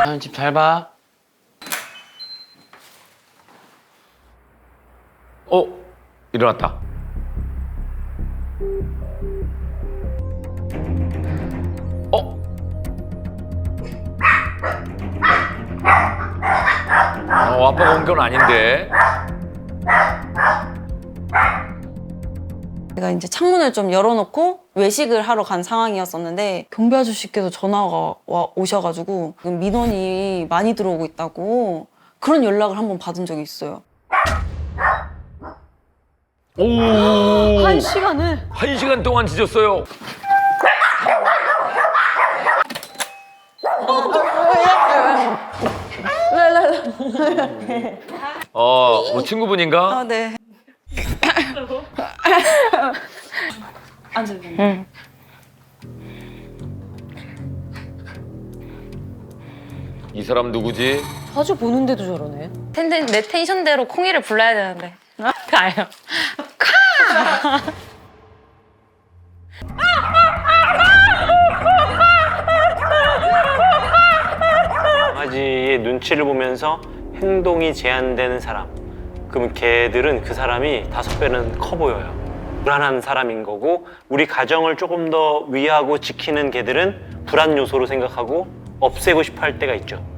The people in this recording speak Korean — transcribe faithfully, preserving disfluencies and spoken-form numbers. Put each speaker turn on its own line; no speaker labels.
아유, 집 잘 봐.
어? 일어났다. 어? 어, 아빠가 온 건 아닌데.
제가 이제 창문을 좀 열어놓고 외식을 하러 간 상황이었었는데 경비 아저씨께서 전화가 와 오셔가지고 민원이 많이 들어오고 있다고 그런 연락을 한번 받은 적이 있어요.
오!
한 시간을?
한 시간 동안 짖었어요. 어, 뭐 친구분인가?
아, 네. 앉아요.
응.
이 사람 누구지?
자주 보는데도 저러네.
텐데, 내 텐션대로 콩이를 불러야 되는데. 가요.
강아지의 눈치를 보면서 행동이 제한되는 사람. 그러면 걔들은 그 사람이 다섯 배는 커 보여요. 불안한 사람인 거고 우리 가정을 조금 더 위하고 지키는 걔들은 불안 요소로 생각하고 없애고 싶어 할 때가 있죠.